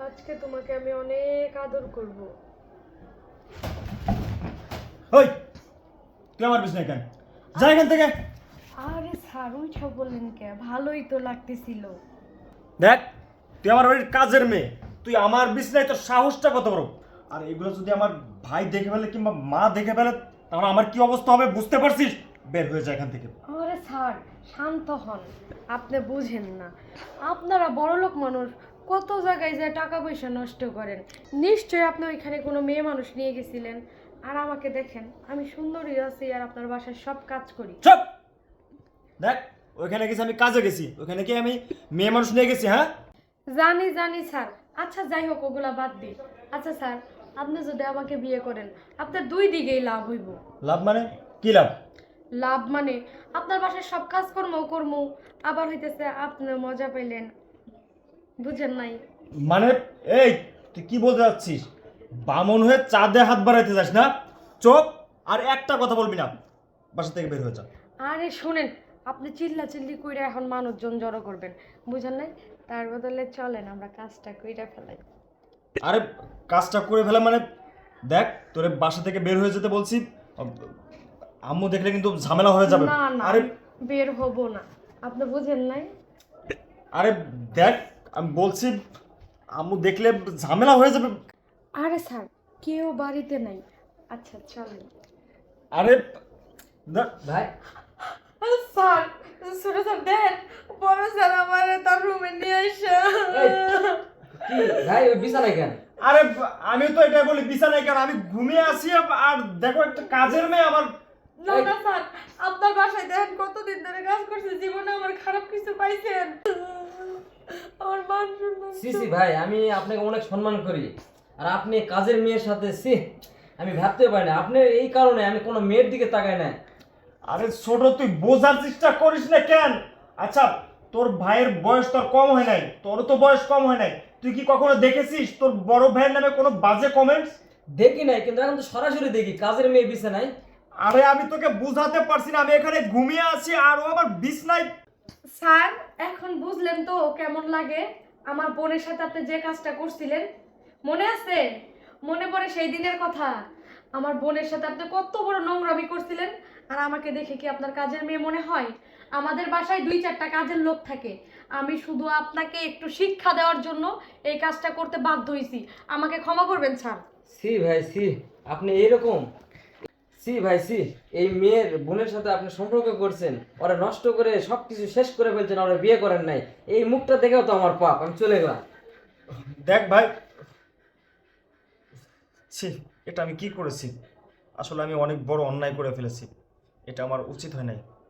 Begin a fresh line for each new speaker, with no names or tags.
আজকে তোমাকে আমি অনেক আদর করব।
ওই তুই আমার বিছনায় কেন? যা এখান থেকে।
আরে স্যার ওইসব বললেন কে? ভালোই তো লাগতেছিল।
দেখ, তুই আমার বাড়ির কাজের মেয়ে, তুই আমার বিছনায়, তোর সাহসটা কত বড়! আর এগুলো যদি আমার ভাই দেখে ফেলে কিংবা মা দেখে ফেলে, তাহলে আমার কি অবস্থা হবে বুঝতে পারছিস? বের হয়ে যায় এখান থেকে।
আরে স্যার শান্ত হন, আপনি বুঝেন না। আপনারা বড়লোক মানুষ, কত জায়গায় যায় টাকা পয়সা নষ্ট করেন। নিশ্চয়ই আপনি ওইখানে কোনো মেয়ে মানুষ নিয়ে গেছিলেন। আর আমাকে দেখেন, আমি সুন্দরী আছি আর আপনার বাসায় সব কাজ করি।
চুপ! দেখ, ওইখানে গেছি আমি কাজে গেছি, ওইখানে কি আমি মেয়ে মানুষ নিয়ে গেছি? হ্যাঁ,
জানি জানি স্যার। আচ্ছা যাই হোক, ওগুলা বাদ দিই। আচ্ছা স্যার, আপনি যদি আমাকে বিয়ে করেন, আপনার দুই দিকেই লাভ হইব।
লাভ মানে কি লাভ?
লাভ মানে আপনার বাসায় সব কাজকর্ম করবো, আবার হইতেছে আপনি মজা পাইলেন। বুঝেন নাই?
মানে এই, তুই কি বলতে যাচ্ছিস? বামন হয়ে চাঁদে হাত বাড়াইতে যাস না? চোখ! আর একটা কথা বলবি না, বাসা থেকে বের হয়ে যা।
আরে শুনেন, আপনি চিল্লা চিল্লি কইরা এখন মানুষজন জড়ো করবেন, বুঝেন নাই? তার বদলে চলেন আমরা কাজটা কইরা ফেলাই।
আরে কাজটা করে ফেলা মানে? দেখ, তোরে বাসা থেকে বের হয়ে যেতে বলছি। আম্মু দেখলে কিন্তু ঝামেলা হয়ে যাবে।
না না,
আরে
বের হব না। আপনি বুঝেন নাই?
আরে দেখ, আমি বলছি, আম্মু দেখলে ঝামেলা হয়ে যাবে।
আরে স্যার, কেউ বাড়িতে নাই। আচ্ছা চলেন।
আরে দেখ
ভাই
স্যার, ছোট স্যার দেন, বড় স্যার আমার তার রুমে নিয়ে আসে।
এই, কি ভাই ওই বিছানায় কেন?
আরে আমি তো এটা বলি বিছানায় কেন, আমি ঘুমিয়ে আছি। আর দেখো, একটা কাজের মেয়ে আমার।
না না স্যার, আপনার বাসায় দেখেন কতদিন ধরে কাজ করছে, জীবনে আমার খারাপ কিছু পাইছেন? আমার মান সম্মান
সি ভাই, আমি আপনাকে অনেক সম্মান করি, আর আপনি কাজের মেয়ের সাথে আমি ভাবতে পারি না। আপনার এই কারণে আমি কোনো মেয়ের দিকে তাকাই না।
আরে ছোট, তুই বোঝার চেষ্টা করিস না কেন? আচ্ছা, তোর ভাইয়ের বয়স তোর কম হয় নাই, তোরও তো বয়স কম হয় নাই। তুই কি কখনো দেখেছিস তোর বড় ভাইয়ের নামে কোনো বাজে কমেন্টস?
দেখি নাই, কিন্তু এখন তো সরাসরি দেখি কাজের মেয়ে বিছানায়।
আরে আমি তোকে বুঝাতে পারছি না, আমি এখানে ঘুমিয়ে আছি আর ও আমার বিছনায়।
স্যার, এখন বুঝলেন তো কেমন লাগে? আমার বোনের সাথে আপনি যে কাজটা করছিলেন, মনে আছে? মনে পড়ে সেই দিনের কথা? আমার বোনের সাথে আপনি কত বড় নোংরামি করছিলেন, আর আমাকে দেখে কি আপনার কাজের মেয়ে মনে হয়? আমাদের বাসায় 2-4টা কাজের লোক থাকে, আমি শুধু আপনাকে একটু শিক্ষা দেওয়ার জন্য এই কাজটা করতে বাধ্য হয়েছি। আমাকে ক্ষমা করবেন স্যার।
ভাই আপনি এইরকম? ভাই এই মেয়ের বোনের সাথে আপনি সম্পর্ক করছেন, ওরা নষ্ট করে সবকিছু শেষ করে ফেলছেন, ওরা বিয়ে করেন নাই। এই মুখটা দেখেও তো আমার পাপ, আমি চলে গেলাম।
দেখ ভাই, ছি, এটা আমি কি করেছি? আসলে আমি অনেক বড় অন্যায় করে ফেলেছি, এটা আমার উচিত হয় নাই।